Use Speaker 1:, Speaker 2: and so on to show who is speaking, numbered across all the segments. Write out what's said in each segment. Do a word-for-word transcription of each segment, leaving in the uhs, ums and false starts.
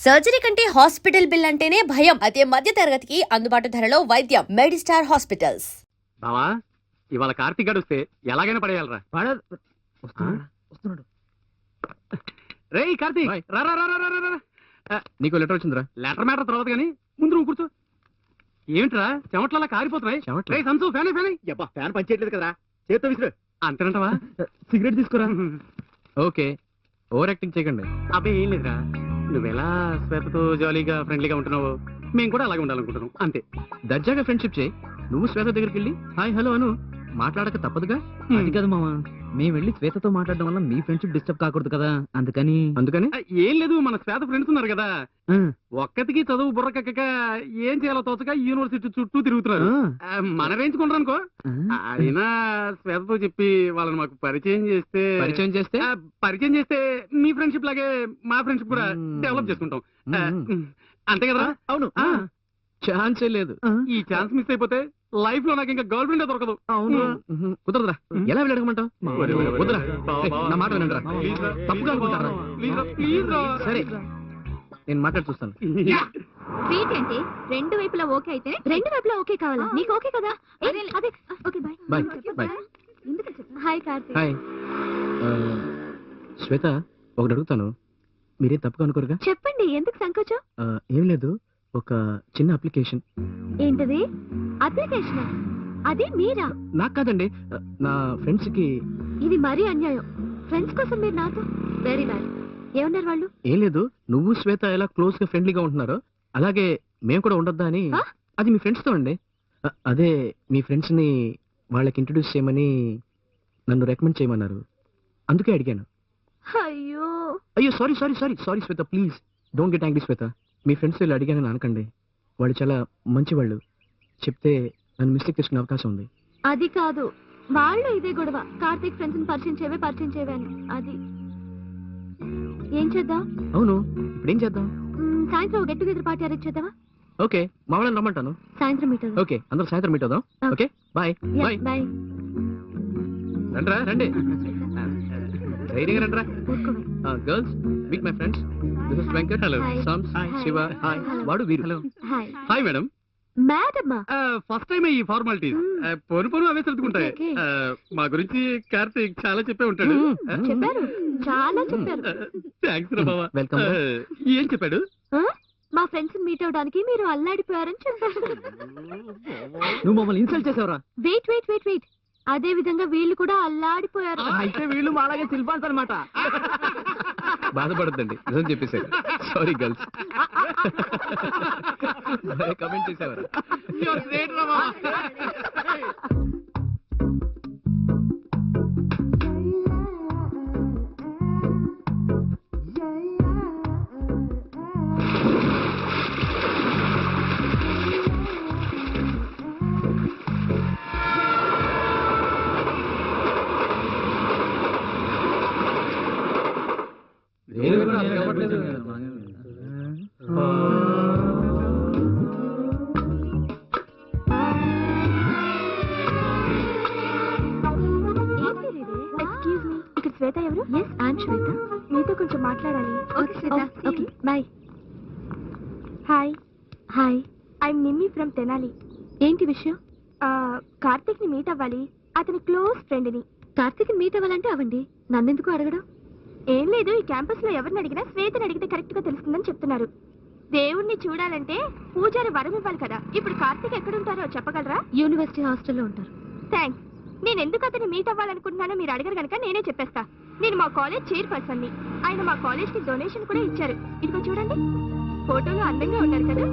Speaker 1: Surgery కంటే hospital bill అంటేనే భయం. అదే మధ్య తరగతికి అందుబాటు ధరలో వైద్యం. Medistar hospitals.
Speaker 2: బావా ఇవాళ కార్తీక్ గడు వస్తే ఎలాగైనా పడేయాలరా.
Speaker 3: వస్తున్నాడు.
Speaker 2: రేయ్ కార్తీక్ రా రా రా రా రా రా.
Speaker 3: నీకు లెటర్ వచ్చిందిరా?
Speaker 2: లెటర్ మ్యాటర్ తర్వాత కానీ ముందు నువ్వు కూర్చో. ఏమిట్రా చెమట్లలా కారిపోతున్నాయి?
Speaker 3: చెమట్లు?
Speaker 2: రేయ్ సంసు ఫ్యాన్ ఫ్యాన్
Speaker 3: యబ్బా ఫ్యాన్ పనిచేయట్లేదు కదరా, చేత్తో విసిరు.
Speaker 2: అంతేనంటవా?
Speaker 3: సిగరెట్ తీసుకురా. ఓకే, ఓవర్ యాక్టింగ్ చేయకండి.
Speaker 2: అబ్బే ఏం లేదురా, నువ్వెలా శ్వేతతో జాలీగా ఫ్రెండ్లీగా ఉంటున్నావు మేము కూడా అలాగే ఉండాలనుకుంటున్నాం అంతే.
Speaker 3: దర్జాగా ఫ్రెండ్షిప్ చేయి. నువ్వు శ్వేత దగ్గరికి వెళ్ళి హాయ్ హలో అను. మాట్లాడక తప్పదుగా. అది కాదు మామ, మేము వెళ్ళి శ్వేతతో మాట్లాడడం వల్ల మీ ఫ్రెండ్షిప్ డిస్టర్బ్ కాకూడదు కదా, అందుకని. అందుకని
Speaker 2: ఆ, ఏం లేదు, మన శ్వేత ఫ్రెండ్స్ ఉన్నారు కదా, ఒక్కటికి చదువు బుర్రకక్క ఏం చేయాలో తోచక యూనివర్సిటీ చుట్టూ తిరుగుతున్నారు. ఆ, మన రేంజ్ కొంటారు అనుకో. అయినా శ్వేతతో చెప్పి వాళ్ళని మాకు పరిచయం చేస్తే
Speaker 3: పరిచయం చేస్తే
Speaker 2: ఆ, పరిచయం చేస్తే మీ ఫ్రెండ్షిప్ లాగే మా ఫ్రెండ్షిప్ కూడా డెవలప్ చేసుకుంటాం. ఆ, అంతే కదా?
Speaker 3: అవును, ఛాన్సే లేదు.
Speaker 2: ఈ ఛాన్స్ మిస్ అయిపోతే లైఫ్ లో నాకు ఇంకా గర్ల్ ఫ్రెండ్ దొరకదు.
Speaker 3: అవును, కుదరదురా. ఎలా వెళ్ళి అడగమంటావు? వద్దురా, నా మాట వినండిరా. తప్పుగా అనుకుంటారా? సరే, నేను మాట్లాడి చూస్తాను.
Speaker 4: స్వీట్ ఏంటి? రెండు వైపులా ఓకే అయితే రెండు వైపులా ఓకే కావాలా? నీకు ఓకే కదా? అదే okay, bye
Speaker 3: bye bye.
Speaker 4: Hi Karthik.
Speaker 3: Hi Shweta, ఒకటి అడుగుతాను, మీరే తప్పుగా అనుకోరుగా?
Speaker 4: చెప్పండి, ఎందుకు సంకోచం?
Speaker 3: ఆ, ఏం లేదు, ఒక చిన్న అప్లికేషన్.
Speaker 4: ఏంటది? అప్లికేషన్? అది మీరా?
Speaker 3: నాకు కాదండి, నా ఫ్రెండ్స్ కి.
Speaker 4: ఇది మరీ అన్యాయం. ఫ్రెండ్స్ కోసం మీరు నాతో? Very bad. ఏమన్నారు వాళ్ళు?
Speaker 3: ఏం లేదు, నువ్వు శ్వేత ఎలా క్లోజ్ గా ఫ్రెండ్లీగా ఉంటున్నారో అలాగే మేము కూడా ఉండొద్దా అని. అది మీ ఫ్రెండ్స్ తో అండి. అ- అదే మీ ఫ్రెండ్స్ ని వాళ్ళకి ఇంట్రడ్యూస్ చేయమని నన్ను రికమెండ్ చేయమన్నారు, అందుకే అడిగాను.
Speaker 4: అయ్యో
Speaker 3: అయ్యో sorry sorry sorry sorry Shweta, please don't get angry Shweta. మీ ఫ్రెండ్స్ వీళ్ళు అడిగానని అనకండి, వాళ్ళు చాలా మంచి వాళ్ళు. చెప్తే నన్ను మిస్టేక్ చేసుకునే అవకాశం ఉంది.
Speaker 4: అది కాదు, వాళ్ళు ఇదే గొడవ. కార్తీక్ ఫ్రెండ్స్ ని పరిచయం చేయవే పరిచయం చేయవే అని. అది ఏం చేద్దాం?
Speaker 3: అవును, ఇప్పుడు ఏం చేద్దాం?
Speaker 4: మ్మ్, సాయంత్రం గెట్ టుగెదర్ పార్టీ అరేంజ్ చేద్దామా?
Speaker 3: ఓకే, మా వాళ్ళని రమ్మంటాను.
Speaker 4: సాయంత్రం మీట్ అవుదాం.
Speaker 3: ఓకే, అందరూ సాయంత్రం మీట్ అవుదాం. Okay bye bye.
Speaker 4: బాయ్.
Speaker 3: రండిరా రండి, ధైర్యంగా రండిరా.
Speaker 4: ఊరుకోవే.
Speaker 3: Girls meet my friends. This is Venkat. Hello.
Speaker 4: Hi.
Speaker 3: సామ్స్.
Speaker 4: Hi.
Speaker 3: శివ. హాయ్.
Speaker 4: Hello.
Speaker 3: వాడు వీరు. హలో.
Speaker 4: హాయ్.
Speaker 2: Hi madam.
Speaker 4: మేడమ్మా?
Speaker 2: ఫస్ట్ టైం ఈ ఫార్మాలిటీస్
Speaker 4: Hmm.
Speaker 2: పొను పొను అవే సర్దుకుంటాయి.
Speaker 4: Okay, okay.
Speaker 2: ఆ, మా గురించి కార్తీక్ చాలా చెప్పే ఉంటాడు.
Speaker 3: Hmm.
Speaker 4: చెప్పారు, చాలా చెప్పారు.
Speaker 2: థ్యాంక్స్ రా బావా.
Speaker 3: Welcome.
Speaker 2: ఆ, ఏం చెప్పాడు?
Speaker 4: ఆ? మా ఫ్రెండ్స్ మీట్ అవడానికి మీరు అల్లాడిపోయారని చెప్పారు.
Speaker 3: నువ్వు మమ్మల్ని ఇన్సల్ట్ చేసావురా.
Speaker 4: వెయిట్ వెయిట్ వెయిట్ వెయిట్ అదే విధంగా వీళ్ళు కూడా అల్లాడిపోయారు.
Speaker 3: అయితే వీళ్ళు మాలాగే సిల్పాన్స్ అనమాట. బాధపడద్దండి, నిజం చెప్పేశారు. Sorry girls. కమెంట్ చేసేవారు.
Speaker 2: You're great రా బావా.
Speaker 4: ఎక్స్క్యూజ్ మీ, ఇక్కడ శ్వేత ఎవరు? Yes, I'm Shweta. మీతో కొంచెం మాట్లాడాలి. Okay Shweta. Okay bye. Hi. Hi, I'm Nimmi from Tenali. ఏంటి విషయం? కార్తీక్ ని మీట్ అవ్వాలి, అతని క్లోజ్ ఫ్రెండ్ ని. కార్తీక్ ని మీట్ అవ్వాలంటే అవ్వండి, నన్నెందుకు అడగడం? ఏం లేదు, ఈ క్యాంపస్ లో ఎవరిని అడిగినా శ్వేతని అడిగితే కరెక్ట్ గా తెలుస్తుందని చెప్తున్నారు. దేవుణ్ణి చూడాలంటే పూజారి వరం ఇవ్వాలి కదా. ఇప్పుడు కార్తీక్ ఎక్కడుంటారో చెప్పగలరా? యూనివర్సిటీ హాస్టల్లో ఉంటారు. థ్యాంక్స్. నేను ఎందుకు అతన్ని మీట్ అవ్వాలనుకుంటున్నానో మీరు అడగరు కనుక నేనే చెప్పేస్తా. నేను మా కాలేజ్ చైర్పర్సన్ ని. ఆయన మా కాలేజ్ కి డొనేషన్ కూడా ఇచ్చారు. ఇదిగో చూడండి, ఫోటోలో అందంగా ఉన్నారు కదా.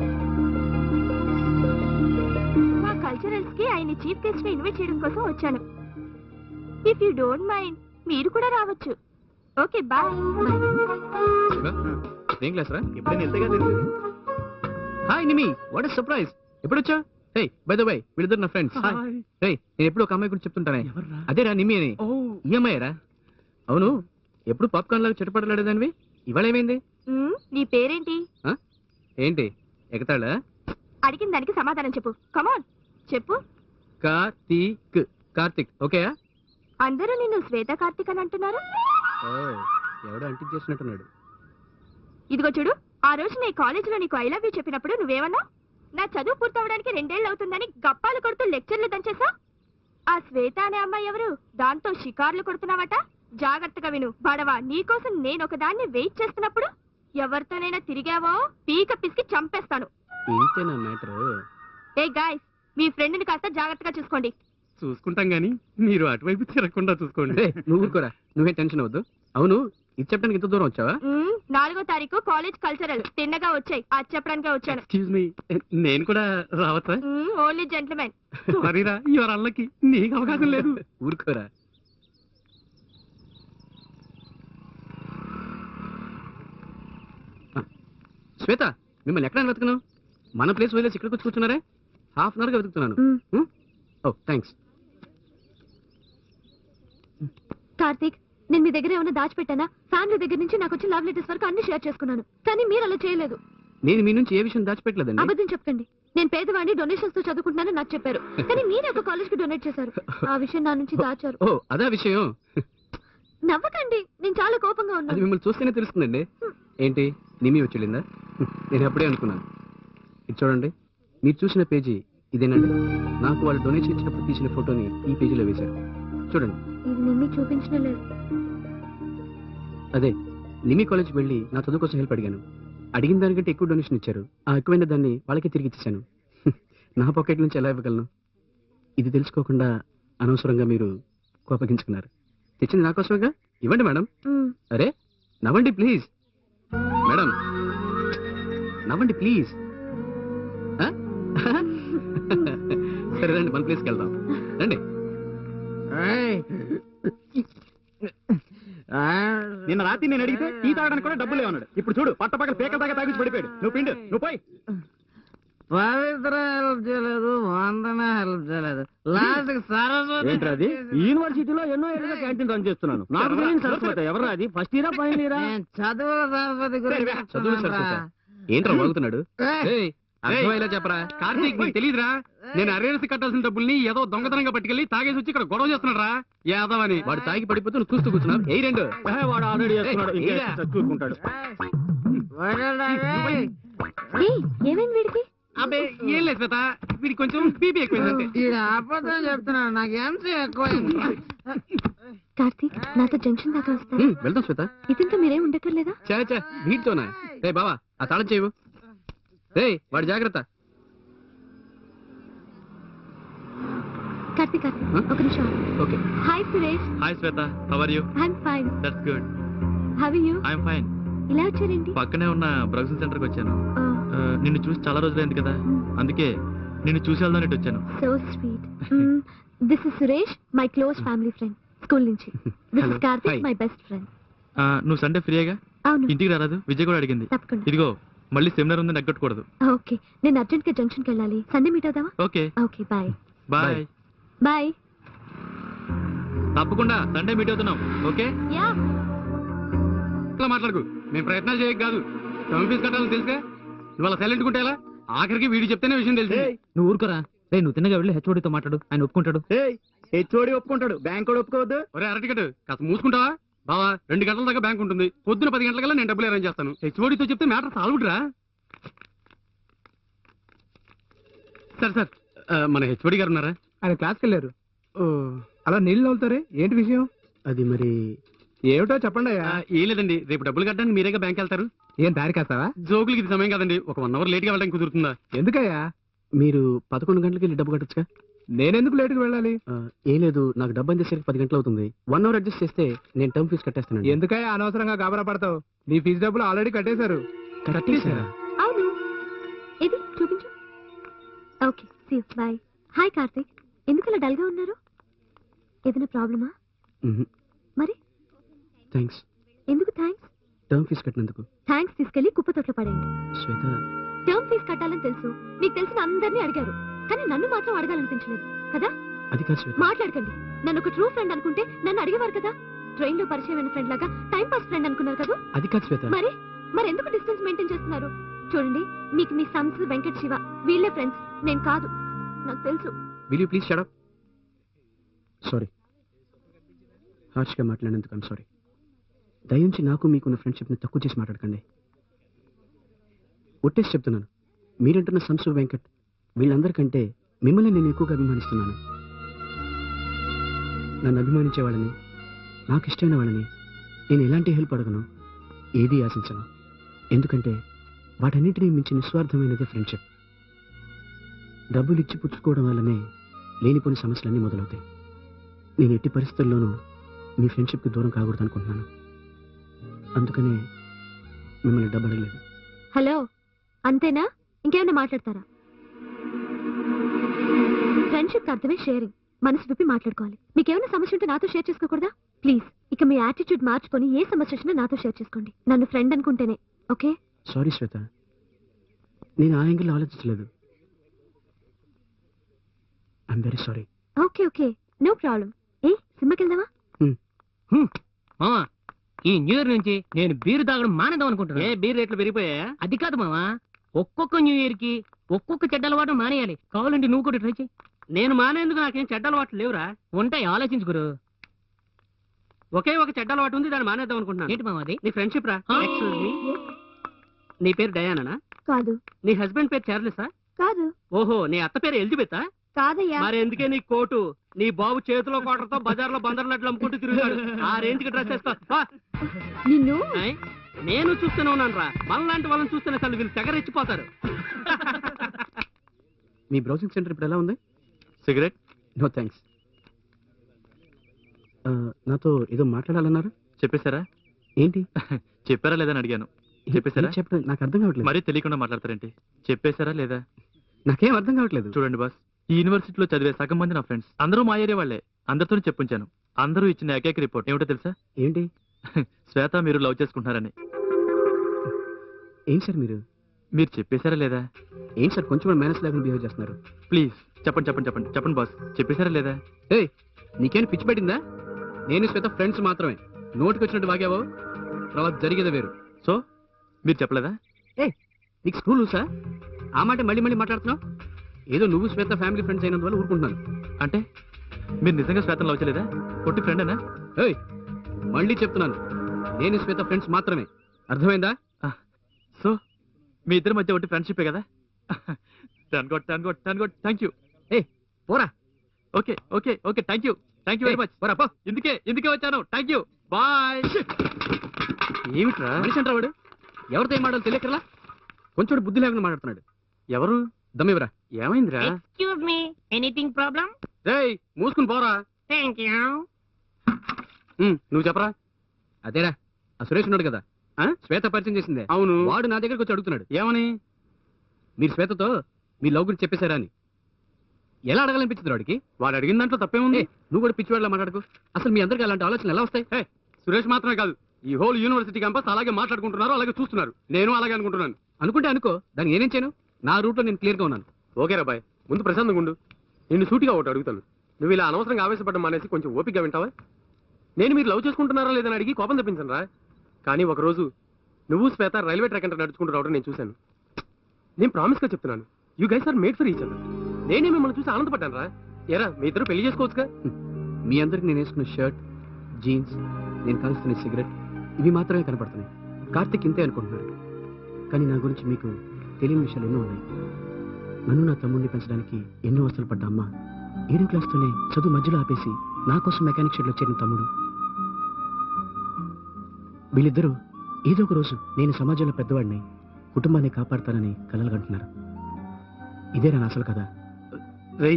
Speaker 4: మా కల్చరల్స్ కి ఆయన చీఫ్ గెస్ట్ గా ఇన్వైట్ చేయడం కోసం వచ్చాను. ఇఫ్ యూ డోంట్ మైండ్ మీరు కూడా రావచ్చు. Okay bye.
Speaker 3: శివ, ఏం క్లాస్ రా?
Speaker 2: ఎప్పుడైనా వెళ్తేగా తెలుసు.
Speaker 3: Hi Nimmi, what is surprise. ఎప్పుడు వచ్చా? హే బై ద వే, వీళ్ళిద్దరు నా ఫ్రెండ్స్.
Speaker 2: Hi.
Speaker 3: హే, నేను ఎప్పుడు ఒక అమ్మాయి గురించి చెప్తుంటానే,
Speaker 2: ఎవర్రా?
Speaker 3: అదేరా నిమి అని.
Speaker 2: ఓ,
Speaker 3: ఈ అమ్మాయి రా? అవును, ఎప్పుడు పాప్కార్న్ లాగా చిటపడలాడేదానివి, ఇవాళ ఏమైంది?
Speaker 4: మ్మ్, నీ పేరేంటి?
Speaker 3: ఏంటి ఎగతాళా?
Speaker 4: అడిగిన దానికి సమాధానం చెప్పు. కమాన్ చెప్పు.
Speaker 3: కార్తీక్. కార్తీక్ ఓకే.
Speaker 4: అందరూ నిన్ను శ్వేత కార్తీక్ అని అంటున్నారు.
Speaker 3: ఎవడో అంటించేసినట్టున్నాడు.
Speaker 4: ఇదిగో చూడు, ఆ రోజు నీ కాలేజీలో నీకు ఐ లవ్ యూ చెప్పినప్పుడు నువ్వేమన్నా నా చదువు పూర్తవడానికి రెండేళ్ళు అవుతుందని గప్పాలు కొడుతూ లెక్చర్లు దంచేసా. ఆ శ్వేత అనే అమ్మాయి ఎవరు? దాంతో షికార్లు కొడుతున్నావట. జాగ్రత్తగా విను బడవా, నీకోసం నేను ఒకదాన్ని వెయిట్ చేస్తున్నప్పుడు ఎవరితోనైనా తిరిగావో పీక పిసికి చంపేస్తాను.
Speaker 2: ఇంతేనా మ్యాటర్?
Speaker 4: ఏ గాయ్స్, మీ ఫ్రెండ్ ని కాస్త జాగ్రత్తగా చూసుకోండి.
Speaker 2: చూసుకుంటాం గానీ మీరు అటువైపు తిరగకుండా చూసుకోండి.
Speaker 3: రేయ్, నువ్వు ఊరుకోరా, నువ్వే టెన్షన్ అవ్వద్దు. అవును, ఇది చెప్పడానికి ఇంత దూరం వచ్చావా?
Speaker 4: మ్మ్, నాలుగో తారీఖు కాలేజ్ కల్చరల్ తిన్నగా వచ్చాయి, అది చెప్పడానికే వచ్చాను.
Speaker 2: ఎక్స్క్యూజ్ మీ, నేను కూడా రావచ్చా?
Speaker 4: Only gentlemen.
Speaker 2: మరీరా యువర్ అల్లకి నీకు అవకాశం లేదు.
Speaker 3: ఊరుకోరా. ఆ, శ్వేత, మిమ్మల్ని ఎక్కడ వెతుకున్నావు? మన ప్లేస్ వదిలేసి ఇక్కడికి వచ్చి కూర్చున్నారే? హాఫ్ అన్ అవర్ గా వెతుకుతున్నాను.
Speaker 4: మ్మ్.
Speaker 3: ఓ థ్యాంక్స్.
Speaker 4: కార్తీక్, నేను మీ దగ్గర ఏమైనా దాచిపెట్టానా? ఫ్యామిలీ దగ్గర నుంచి నాకు వచ్చిన లవ్ లెటర్స్ వరకు అన్ని షేర్ చేసుకున్నాను, కానీ మీరు అలా చేయలేదు.
Speaker 3: నేను మీ నుంచి ఏ విషయం దాచిపెట్టలేదండి.
Speaker 4: అబద్ధం చెప్పండి. నేను పేదవాడిని, డొనేషన్స్ తో చదువుకుంటున్నానని నాకు చెప్పారు, కానీ మీరే ఒక కాలేజ్ కి డొనేట్ చేశారు. ఆ విషయం నా నుంచి దాచారు.
Speaker 3: ఓ అదా విషయం.
Speaker 4: నవ్వకండి, నేను చాలా కోపంగా
Speaker 3: అది
Speaker 4: ఉన్నాను.
Speaker 3: మిమ్మల్ని చూస్తేనే తెలుస్తుందండి. ఏంటి నిమి వచ్చిందా? నేను అప్పుడే అనుకున్నాను. ఇది చూడండి, మీరు చూసిన పేజీ ఇదేనండి. నాకు వాళ్ళు డొనేషన్ ఇచ్చినప్పుడు తీసిన ఫోటోని ఈ పేజీలో వేశారు. చూడండి.
Speaker 4: ఇది నిమ్మి చూపించడం లేదు.
Speaker 3: అదే, నిమి కాలేజ్కి వెళ్ళి నా చదువు కోసం హెల్ప్ అడిగాను. అడిగిన దానికంటే ఎక్కువ డొనేషన్ ఇచ్చారు. ఆ ఎక్కువైన దాన్ని వాళ్ళకి తిరిగి ఇచ్చేసాను. నా పాకెట్ నుంచి ఎలా ఇవ్వగలను? ఇది తెలుసుకోకుండా అనవసరంగా మీరు కోపగించుకున్నారు. తెచ్చింది నా కోసమేగా, ఇవ్వండి మేడం.
Speaker 4: మ్మ్.
Speaker 3: అరే నవ్వండి ప్లీజ్. మేడం నవ్వండి ప్లీజ్. ఆ? సరే రండి, మన ప్లేస్కి వెళ్దాం రండి.
Speaker 2: నిన్న రాత్రి నేను అడిగితే టీ తాగడానికి కూడా డబ్బులు లేవన్నాడు. ఇప్పుడు చూడు పట్టపక్కల పేకల దాకా తాగించి పడిపోయాడు. నువ్వు పిండు, నువ్వు పోయి.
Speaker 5: పవిత్ర హెల్ప్ చేయలేదు, వందన హెల్ప్ చేయలేదు, లాస్ట్ సరస్వతి.
Speaker 2: ఏంటది? యూనివర్సిటీలో ఎన్నో ఏళ్ళుగా క్యాంటీన్ రన్ చేస్తున్నాను. నాకు తెలియని సరస్వతి ఎవరు? అది ఫస్ట్ ఇయరా ఫైనల్ ఇయరా?
Speaker 5: నేను చదువుల సరస్వతి గురించి
Speaker 3: చదువు సరస్వత ఏంట్రా వాగుతున్నాడు? ఏయ్, అర్థమయ్యేలా చెప్పరా.
Speaker 2: కార్తీక్, నీకు తెలియదురా? నేను అరేసి కట్టాల్సిన డబ్బుల్ని ఏదో దొంగతనంగా పట్టుకెళ్లి తాగేసి వచ్చి ఇక్కడ గొడవ చేస్తున్నాడు రా యాదవ్ అని.
Speaker 3: వాడు తాగి పడిపోతూ నువ్వు చూస్తూ కూర్చున్నావు. ఏ రెండు
Speaker 2: ఏ, వాడు ఆల్రెడీ చేస్తున్నాడు,
Speaker 3: ఏయ్,
Speaker 2: ఇంకా
Speaker 3: ఏయ్రా.
Speaker 2: చూసుకుంటాడు.
Speaker 4: ఏయ్, ఏమైంది వీడికి?
Speaker 2: అబ్బే ఏం లేదు శ్వేత, వీడికి కొంచెం బీపీ ఎక్కువైందంటే.
Speaker 5: ఈడ అబద్ధం చెప్తున్నాడు, నాకు ఎంసీ ఎక్కువ.
Speaker 4: కార్తీక్, నాతో జంక్షన్ దాకా వస్తారా?
Speaker 3: హ్మ్, వెళ్దాం శ్వేత.
Speaker 4: ఇతనితో మీరేం ఉండక్కర్లేదా?
Speaker 3: చే చే వీటితోనా? రే బావా, ఆ తాళం చేయవు. రే వాడు జాగ్రత్త.
Speaker 4: కార్తీక్, కార్తీక్,
Speaker 3: Huh?
Speaker 4: ఒక నిమిషం.
Speaker 3: Okay.
Speaker 4: Hi Suresh.
Speaker 6: Hi Shweta, how are you?
Speaker 4: I'm fine.
Speaker 6: That's good.
Speaker 4: How are you?
Speaker 6: I'm fine.
Speaker 4: ఇలా వచ్చారేంటి?
Speaker 6: పక్కనే ఉన్న బ్రౌజింగ్ సెంటర్ కి వచ్చాను.
Speaker 4: ఆ,
Speaker 6: ఆ, నిన్ను చూసి చాలా రోజులైంది కదా, అందుకే నిన్ను చూసి వెళ్దాం ఇటు వచ్చాను.
Speaker 4: So sweet. This is Suresh, my close family friend school నుంచి. This
Speaker 3: Hello.
Speaker 4: Is Karthik,
Speaker 3: Hi.
Speaker 4: My best friend.
Speaker 6: ఆ, నువ్వు సండే ఫ్రీగా
Speaker 4: అవును,
Speaker 6: ఇంటికి రారాదు? విజయ్ కూడా అడిగింది.
Speaker 4: తప్పకుండా.
Speaker 6: ఇదిగో మళ్ళీ సెమినార్ ఉంది, నెగ్గొట్టకూడదు.
Speaker 4: ఓకే, నేను అర్జెంట్ గా జంక్షన్ కి వెళ్ళాలి. సండే మీట్ అవుదామా?
Speaker 6: Okay
Speaker 4: okay, bye.
Speaker 6: Bye.
Speaker 3: Bye.
Speaker 4: Bye.
Speaker 6: తప్పకుండా సండే మీట్ అవుతున్నాం. Okay
Speaker 4: yeah.
Speaker 2: ఇట్లా మాట్లాడుకు, మేము ప్రయత్నాలు చేయక కాదు. టర్మ్ ఫీజు కట్టాలని తెలుసుగా, ఇవాళ సైలెంట్ ఉంటే ఎలా? ఆఖరికి వీడి చెప్తేనే విషయం తెలిసి.
Speaker 3: నువ్వు ఊరుకోరా. రే నువ్వు తిన్నగా వెళ్ళి హెచ్ఓడితో మాట్లాడు, ఆయన ఒప్పుకుంటాడు.
Speaker 2: హెచ్ఓడి ఒప్పుకుంటాడు, బ్యాంక్ కూడా ఒప్పుకోవద్దు. ఒరే అరటికట్, కాస్త మూసుకుంటావా? బావా, రెండు గంటల దాకా బ్యాంక్ ఉంటుంది. పొద్దున పది గంటలకల్లా నేను డబ్బులు అరేంజ్ చేస్తాను. హెచ్ఓడితో చెప్తే మ్యాటర్ సాల్వ్డ్రా. సరే సార్, ఆ, మన హెచ్ఓడి గారు ఉన్నారా?
Speaker 7: ఆయన క్లాస్కి వెళ్ళారు.
Speaker 2: ఓ,
Speaker 7: అలా నీళ్ళు నవ్వుతారే, ఏంటి విషయం?
Speaker 3: అది మరి
Speaker 7: ఏమిటో చెప్పండి అయ్యా.
Speaker 2: ఆ, ఏం లేదండి, రేపు డబ్బులు కట్టడానికి మీరేగా బ్యాంక్ వెళ్తారు.
Speaker 7: ఏం దారి కాస్తావా?
Speaker 2: జోకులకి ఇది సమయం కాదండి, ఒక వన్ అవర్ లేట్ గా వెళ్ళడానికి కుదురుతుందా?
Speaker 7: ఎందుకయ్యా?
Speaker 3: మీరు పదకొండు గంటలకి వెళ్ళి డబ్బు కట్టొచ్చుగా.
Speaker 7: నేనెందుకు లేటుకు వెళ్ళాలి?
Speaker 3: ఆ, ఏం లేదు, నాకు డబ్బు అందేసరికి పది గంటలు అవుతుంది. వన్ అవర్ అడ్జస్ట్ చేస్తే నేను టర్మ్ ఫీజు కట్టేస్తాను.
Speaker 7: ఎందుకయ్యా అనవసరంగా గాబరా పడతావు? నీ ఫీజు డబ్బులు ఆల్రెడీ కట్టేశారు.
Speaker 3: కట్టేశారా?
Speaker 4: అవును, ఇది చూపించు. Okay, see you, bye. Hi Karthik, ఎందుకు అలా డల్ గా ఉన్నారు? ఏదైనా ప్రాబ్లమా? మరి
Speaker 3: థ్యాంక్స్.
Speaker 4: ఎందుకు థ్యాంక్స్?
Speaker 3: టర్మ్ ఫీజు కట్టినందుకు.
Speaker 4: థ్యాంక్స్ తీసుకెళ్లి కుప్ప తొట్లో పడేయండి.
Speaker 3: శ్వేత,
Speaker 4: టర్మ్ ఫీజు కట్టాలని తెలుసు, మీకు తెలిసిన అందరినీ అడిగారు, కానీ నన్ను మాత్రం అడగాలనిపించలేదు కదా?
Speaker 3: అది కాదు శ్వేత.
Speaker 4: మాట్లాడకండి. నన్ను ఒక ట్రూ ఫ్రెండ్ అనుకుంటే నన్ను అడిగేవారు కదా. ట్రైన్ లో పరిచయమైన ఫ్రెండ్ లాగా టైం పాస్ ఫ్రెండ్ అనుకున్నారు కదా.
Speaker 3: అది కాదు శ్వేత.
Speaker 4: మరి మరి ఎందుకు డిస్టెన్స్ మెయింటైన్ చేస్తున్నారు? చూడండి, మీకు మీ సన్స్ వెంకట్ శివ వీళ్ళే ఫ్రెండ్స్, నేను కాదు, నాకు తెలుసు.
Speaker 3: Will you please shut up? Sorry, హార్ష్గా మాట్లాడినందుకు ఐమ్ సారీ. దయించి నాకు మీకున్న ఫ్రెండ్షిప్ని తక్కువ చేసి మాట్లాడకండి. ఒట్టేసి చెప్తున్నాను, మీరంటున్న సంసు వెంకట్ వీళ్ళందరికంటే మిమ్మల్ని నేను ఎక్కువగా అభిమానిస్తున్నాను. నన్ను అభిమానించే వాళ్ళని, నాకు ఇష్టమైన వాళ్ళని నేను ఎలాంటి హెల్ప్ అడగను, ఏదీ ఆశించను. ఎందుకంటే వాటన్నిటినీ మించి నిస్వార్థమైనదే ఫ్రెండ్షిప్. డబ్బులు ఇచ్చి పుచ్చుకోవడం వల్లనే లేనిపోని సమస్యలన్నీ మొదలవుతాయి. నేను ఎట్టి పరిస్థితుల్లోనూ మీ ఫ్రెండ్షిప్కి దూరం కాకూడదు అనుకుంటున్నాను. అందుకనే మిమ్మల్ని డబ్బు అడగలేదు.
Speaker 4: హలో, అంతేనా? ఇంకేమైనా మాట్లాడతారా? ఫ్రెండ్షిప్ అర్థమే షేరింగ్. మనసు విప్పి మాట్లాడుకోవాలి. మీకేమైనా సమస్య ఉంటే నాతో షేర్ చేసుకోకూడదా? ప్లీజ్ ఇక మీ యాటిట్యూడ్ మార్చుకొని ఏ సమస్య వచ్చినా నాతో షేర్ చేసుకోండి. నన్ను ఫ్రెండ్ అనుకుంటేనే. ఓకే?
Speaker 3: సారీ శ్వేత, నేను ఆ యాంగిల్ ఆలోచించలేదు. I'm very sorry.
Speaker 4: Okay okay, no problem. ఏ సినిమాకి వెళ్దామా?
Speaker 5: మామా, ఈ న్యూ ఇయర్ నుంచి నేను బీరు తాగడం మానేద్దాం అనుకుంటున్నా.
Speaker 2: ఏ బీర్ రేట్లు పెరిగిపోయా?
Speaker 5: అది కాదు మామా, ఒక్కొక్క న్యూ ఇయర్ కి ఒక్కొక్క చెడ్డ అలవాటు మానేయాలి. కావాలంటే నువ్వు కూడా ట్రై చేయి.
Speaker 2: నేను మానేందుకు నాకేం చెడ్డ అలవాట్లు లేవురా.
Speaker 5: ఉంటాయి, ఆలోచించుకురు.
Speaker 2: ఒకే ఒక చెడ్డ అలవాటు ఉంది, దాన్ని మానేద్దాం అనుకుంటున్నాను.
Speaker 5: ఏంటి మామా అది?
Speaker 2: నీ ఫ్రెండ్షిప్ రా.
Speaker 5: ఆ?
Speaker 2: Excuse me. నీ పేరు డయానా?
Speaker 4: కాదు.
Speaker 2: నీ హస్బెండ్ పేరు చార్లెసా?
Speaker 4: కాదు.
Speaker 2: ఓహో, నీ అత్త పేరు ఎలిజబెతా?
Speaker 4: కాదయ్యా.
Speaker 2: మరి ఎందుకే నీ కోటు? నీ బాబు చేతిలో కోటతో బజార్లో బందర్లట్లు అమ్ముకుంటూ తిరుగుతాడు. ఆ రేంజ్ కి డ్రెస్ వేస్తా.
Speaker 4: నిన్ను
Speaker 2: నేను చూస్తూనే ఉన్నాను రా. మనలాంటి వాళ్ళని చూస్తేనే అసలు వీళ్ళు తెగరెచ్చిపోతారు.
Speaker 3: మీ బ్రౌజింగ్ సెంటర్ ఇప్పుడు ఎలా ఉంది?
Speaker 6: సిగరెట్?
Speaker 3: No thanks. నాతో ఏదో మాట్లాడాలన్నారు,
Speaker 6: చెప్పేశారా?
Speaker 3: ఏంటి?
Speaker 6: చెప్పారా లేదా అని అడిగాను. చెప్పేశారా?
Speaker 3: ఏం చెప్పడం నాకు అర్థం కావట్లేదు.
Speaker 6: మరీ తెలియకుండా మాట్లాడతారేంటి? చెప్పేశారా లేదా?
Speaker 3: నాకేం అర్థం కావట్లేదు.
Speaker 6: చూడండి బాస్, ఈ యూనివర్సిటీలో చదివే సగం మంది నా ఫ్రెండ్స్ అందరూ మా ఏరియా వాళ్ళే. అందరితో చెప్పుంచాను. అందరూ ఇచ్చిన ఏకైక రిపోర్ట్ ఏమిటో తెలుసా?
Speaker 3: ఏంటి?
Speaker 6: శ్వేత మీరు లవ్ చేసుకుంటున్నారని.
Speaker 3: ఏం సార్ మీరు
Speaker 6: మీరు చెప్పేశారా లేదా?
Speaker 3: ఏం సార్ కొంచెం మేనేజ్ లేకుండా బిహేవ్ చేస్తున్నారు?
Speaker 6: ప్లీజ్ చెప్పండి చెప్పండి చెప్పండి చెప్పండి బాస్, చెప్పేశారా లేదా?
Speaker 3: ఏయ్, నీకేం పిచ్చి పెట్టిందా? నేను శ్వేత ఫ్రెండ్స్ మాత్రమే. నోటికి వచ్చినట్టు వాగావో తర్వాత జరిగేదే వేరు.
Speaker 6: సో మీరు చెప్పలేదా?
Speaker 3: ఏ నీకు స్కూల్ సార్ ఆ మాట మళ్ళీ మళ్ళీ మాట్లాడుతున్నావు? ఏదో నువ్వు శ్వేత ఫ్యామిలీ ఫ్రెండ్స్ అయినందువల్ల ఊరుకుంటున్నాను.
Speaker 6: అంటే మీరు నిజంగా శ్వేతను లవ్ చేయలేదా? పొట్టి ఫ్రెండేనా?
Speaker 3: ఏయ్, మళ్ళీ చెప్తున్నాను, నేను శ్వేత ఫ్రెండ్స్ మాత్రమే. అర్థమైందా?
Speaker 6: సో మీ ఇద్దరి మధ్య ఒకటి ఫ్రెండ్షిప్పే కదా? టన్ గోట్ టన్ గోట్ టన్ గోట్ థ్యాంక్ యూ.
Speaker 3: ఏ పోరా.
Speaker 6: Okay okay okay thank you thank you very much.
Speaker 3: పోరా పో.
Speaker 6: ఇందుకే ఇందుకే వచ్చాను. Thank you, bye.
Speaker 3: ఏమిట్రా మనిషి అంటారా వాడు? ఎవరితో ఏం మాటలు తెలియకరా కొంచెం బుద్ధి లేకుండా మాట్లాడుతున్నాడు.
Speaker 6: ఎవరు?
Speaker 3: దమ్మివరా.
Speaker 2: ఏమైందిరా?
Speaker 5: Excuse me, anything problem?
Speaker 2: రేయ్ మూసుకుని పోరా.
Speaker 5: Thank you.
Speaker 2: ఉమ్, నువ్వు చెప్పరా.
Speaker 3: అదేరా, ఆ సురేష్ ఉన్నాడు కదా,
Speaker 2: ఆ?
Speaker 3: శ్వేత పరిచయం చేసిందే.
Speaker 2: అవును.
Speaker 3: వాడు నా దగ్గరకు వచ్చి అడుగుతున్నాడు,
Speaker 2: ఏమని?
Speaker 3: మీరు శ్వేతతో మీ లవ్ గురించి చెప్పేశారా అని. ఎలా అడగాలనిపించింది వాడికి?
Speaker 2: వాడు అడిగిన దాంట్లో తప్పేముంది?
Speaker 3: ఏ, నువ్వు కూడా పిచ్చివాడిలా మాట్లాడుకో. అసలు మీ అందరికి అలాంటి ఆలోచనలు ఎలా వస్తాయి?
Speaker 2: హే, సురేష్ మాత్రమే కాదు, ఈ హోల్ యూనివర్సిటీ క్యాంపస్ అలాగే మాట్లాడుకుంటున్నారు, అలాగే చూస్తున్నారు. నేను అలాగే అనుకుంటున్నాను.
Speaker 3: అనుకుంటే అనుకో, దాన్ని నేనేం చేయను. నా రూట్లో నేను క్లియర్గా ఉన్నాను.
Speaker 2: ఓకే రా బాయ్, ముందు ప్రశాంతంగా ఉండు. నిన్ను సూటిగా ఒకటి అడుగుతాను. నువ్వు ఇలా అనవసరంగా ఆవేశపడ్డం మానేసి కొంచెం ఓపికగా వింటావా? నేను మీరు లవ్ చేసుకుంటున్నారా లేదని అడిగి కోపం తెప్పించను రా. కానీ ఒకరోజు నువ్వు శ్వేత రైల్వే ట్రాక్ అంటే నడుచుకుంటూ రావడం నేను చూశాను. నేను ప్రామిస్గా చెప్తున్నాను, you guys are made for each other. నేనే మిమ్మల్ని చూసి ఆనందపడ్డాను రా. ఎరా మీ ఇద్దరు పెళ్లి చేసుకోవచ్చుగా?
Speaker 3: మీ అందరికి నేను వేసుకున్న షర్ట్, జీన్స్, నేను కాల్స్తున్న సిగరెట్, ఇవి మాత్రమే కనపడుతున్నాయి. కార్తిక్ ఇంతే అనుకుంటున్నాడు. కానీ నా గురించి మీకు తెలియని విషయాలు ఎన్నో ఉన్నాయి. నన్ను నా తమ్ముడిని పెంచడానికి ఎన్నో అవసరాలు పడ్డ అమ్మ, ఏడో క్లాస్తోనే చదువు మధ్యలో ఆపేసి నా కోసం మెకానిక్ షెడ్లో చేరిన తమ్ముడు, వీళ్ళిద్దరూ ఏదో ఒక రోజు నేను సమాజంలో పెద్దవాడిని, కుటుంబాన్ని కాపాడతానని కలలు కంటున్నారు. ఇదే నా అసలు కదా.
Speaker 2: రేయ్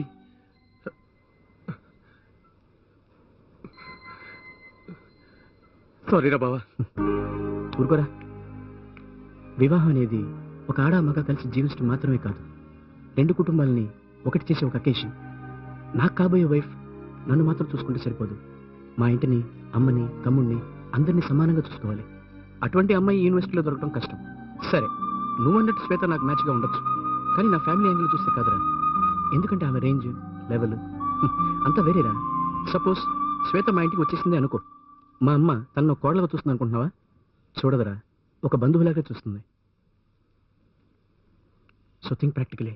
Speaker 2: సారీ రా బావా.
Speaker 3: ఊరుకోరా. వివాహం అనేది ఒక ఆడ మగ కలిసి జీవించడం మాత్రమే కాదు, రెండు కుటుంబాలని ఒకటి చేసే ఒక అకేషన్. నాకు కాబోయే వైఫ్ నన్ను మాత్రం చూసుకుంటే సరిపోదు, మా ఇంటిని, అమ్మని, తమ్ముడిని అందరినీ సమానంగా చూసుకోవాలి. అటువంటి అమ్మాయి యూనివర్సిటీలో దొరకడం కష్టం. సరే, నువ్వు అన్నట్టు శ్వేత నాకు మ్యాచ్గా ఉండొచ్చు, కానీ నా ఫ్యామిలీ యాంగిల్ చూస్తే కాదురా. ఎందుకంటే ఆమె రేంజ్, లెవెల్ అంతా వేరేరా. సపోజ్ శ్వేత మా ఇంటికి వచ్చేసింది అనుకో, మా అమ్మ తనను కోడలుగా చూస్తుంది అనుకుంటున్నావా? చూడదురా, ఒక బంధువులాగా చూస్తుంది. సో థింక్ ప్రాక్టికలే.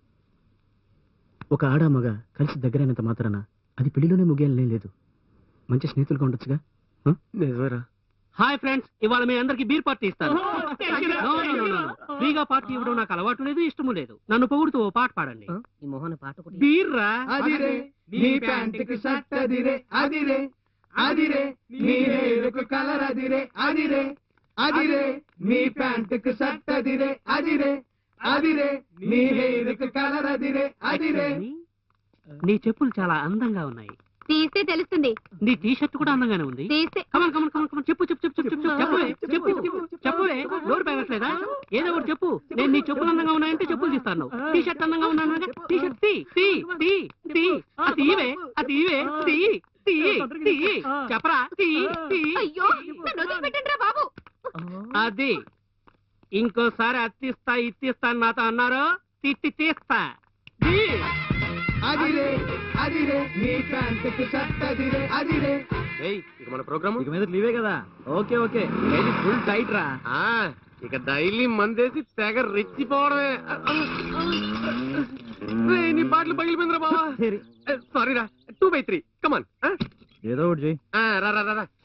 Speaker 3: ఒక ఆడ మగ కలిసి దగ్గరైనంత మాత్రాన అది పెళ్లిలోనే ముగియాలనే లేదు. మంచి స్నేహితులుగా ఉండొచ్చుగా.
Speaker 2: నిజమేరా,
Speaker 5: హాయ్ ఫ్రెండ్స్, ఇవాళ మీ అందరికి బీర్ పార్టీ ఇస్తాను. ఫ్రీగా పార్టీ ఇవ్వడం నాకు అలవాటు లేదు, ఇష్టము లేదు. నన్ను పొగుడుతూ ఓ పాట పాడండి. ఈ మోహన పాట
Speaker 2: బీర్రా
Speaker 7: అదిరే నీ ప్యాంటుకి షర్ట్ అదిరే అదిరే అదిరే నీ హెయిర్కు కలర్ అదిరే అదిరే అదిరే నీ ప్యాంటుకి షర్ట్ అదిరే అదిరే అదిరే నీ హెయిర్కు కలర్ అదిరే అదిరే.
Speaker 5: నీ చెప్పులు చాలా అందంగా ఉన్నాయి.
Speaker 4: తీస్తే తెలుస్తుంది.
Speaker 5: నీ టీ షర్ట్ కూడా అందంగానే ఉంది.
Speaker 4: తీస్తే
Speaker 5: కమన్ కమన్ కమన్ కమన్ చెప్పు చెప్పు చెప్పు చెప్పు చెప్పు చెప్పు చెప్పు చెప్పులే నోరు పెరగట్లేదా? ఏదో ఒకటి చెప్పు. నేను నీ చెప్పులు అందంగా ఉన్నాయంటే చెప్పులు తీస్తాను. టీ షర్ట్ అందంగా ఉన్నాను. టీ షర్ట్ తీ తీ తీ తీ అది ఇవే అది ఇవే తీ తీ తీ చెప్పరా తీ తీ.
Speaker 4: అయ్యో నన్ను వదిలిపెట్టండి రా బాబు.
Speaker 5: అది ఇంకోసారి అత్తిస్తా ఇత్తిస్తా అని నాతో అన్నారు, తిట్టి తీస్తా. తీ.
Speaker 7: అదిరే అదిరే నీ ప్యాంటుకి షర్ట్ అదిరే అదిరే.
Speaker 2: ఇక మన ప్రోగ్రామ్
Speaker 3: ఇక మీద లీవే కదా. ఓకే ఓకే ఫుల్ టైట్ రా.
Speaker 2: ఇక డైలీ మందేసి తెగ రెచ్చిపోవడమే. రేయ్, నీ బాటిల్ పగిలిపోయిందిరా బావా. సారీ రా. Two by three come on.
Speaker 3: ఏదో ఒకటి చెయ్యి.
Speaker 2: రా రా రా రా